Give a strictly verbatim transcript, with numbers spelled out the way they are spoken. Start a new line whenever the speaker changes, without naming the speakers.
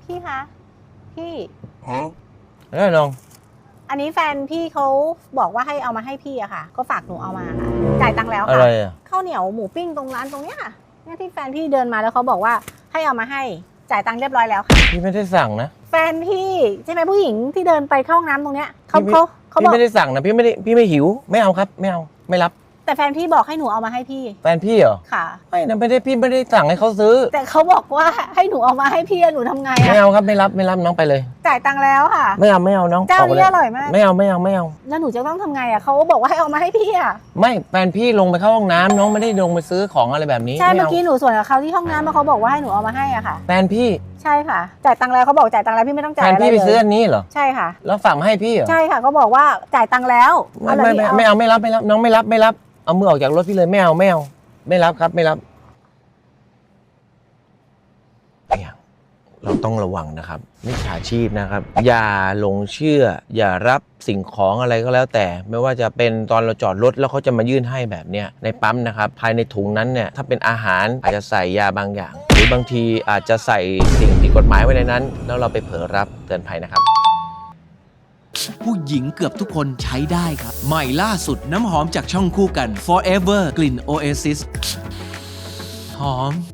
พี่คะพี่
ได้น้อง
อันนี้แฟนพี่เขาบอกว่าให้เอามาให้พี่อะค่ะ ก็ฝากหนูเอามาค่ะจ่ายตังค์แล้ว
อะ
ค่ะ
ไรอ่ะ
ข้าวเหนียวหมูปิ้งตรงร้านตรงเนี้ยค่ะเนี่ยที่แฟนพี่เดินมาแล้วเขาบอกว่าให้เอามาให้จ่ายตังค์เรียบร้อยแล้วค่ะ
พี่ไม่ได้สั่งนะ
แฟนพี่ใช่ไหมผู้หญิงที่เดินไปเข้าห้องน้ำตรงเนี้ยเขา
พี่ไม่
เขาเขาบ
พี่
อก
ไม่ได้สั่งนะพี่ไม่ได้พี่ไม่หิวไม่เอาครับไม่เอาไม่รับ
แต่แฟนพี่บอกให้หนูเอามาให้พี่
แฟนพี่เหรอ
ค่ะ
ไม่นะไม่ได้พี่ไม่ได้สั่งให้เขาซื้อ
แต่เขาบอกว่าให้หนูเอามาให้พี่อะหนูทำไง
ไม่
อะ
เอาครับไม่รับไม่รับน้องไปเลย
จ่ายตังค์แล้วค่ะ
ไม่เอาไม่เอาน้อง
เจ้า
ออกไป
นี้
เล
อร่อยมาก
ไม่เอาไม่เอาไม่เอา
แล้วหนูจะต้องทำไงอะเขาบอกว่าให้เอามาให้พี่อะ
ไม่แฟนพี่ลงไปเข้าห้องน้ำน้องไม่ได้ลงไปซื้อของอะไรแบบนี้
ใช่
ไม่
เมื่อ
เอา
กี้หนูสวนกับเขาที่ห้องน้ำแล้วเขาบอกว่าให้หนูเอามาให้อะค่ะ
แฟนพี่
ใช่ค่ะจ่ายตังค์แล้วเขาบอกจ่ายตังค์แล้วพี่ไม่ต้อง
แฟ
จ่าย
น
อะไร
พี่ไป
เล
ซื้อย อันนี้เหรอ
ใช่ค่ะ
แล้วฝากมาให้พี่เหรอ
ใช่ค่ะเขาบอกว่าจ่ายตังค์แล้ว
ไม่
เอา
ไม่
เลย
ไม่
เอา
ไม่เอาไม่รับไม่รับน้องไม่รับไม่รับเอามือออกจากรถพี่เลยไม่เอาไม่เอาไม่รับครับไม่รับเนี่ยเราต้องระวังนะครับมิจฉาชีพนะครับ อย่าหลงเชื่อ อย่ารับสิ่งของอะไรก็แล้วแต่ ไม่ว่าจะเป็นตอนเราจอดรถแล้วเขาจะมายื่นให้แบบเนี้ยในปั๊มนะครับ ภายในถุงนั้นเนี่ยถ้าเป็นอาหารอาจจะใส่ยาบางอย่าง หรือบางทีอาจจะใส่สิ่งผิดกฎหมายไว้ในนั้น แล้วเราไปเผลอรับเตือนภัยนะครับ
ผู้หญิงเกือบทุกคนใช้ได้ครับ ใหม่ล่าสุดน้ำหอมจากช่องคู่กัน Forever กลิ่น Oasis หอม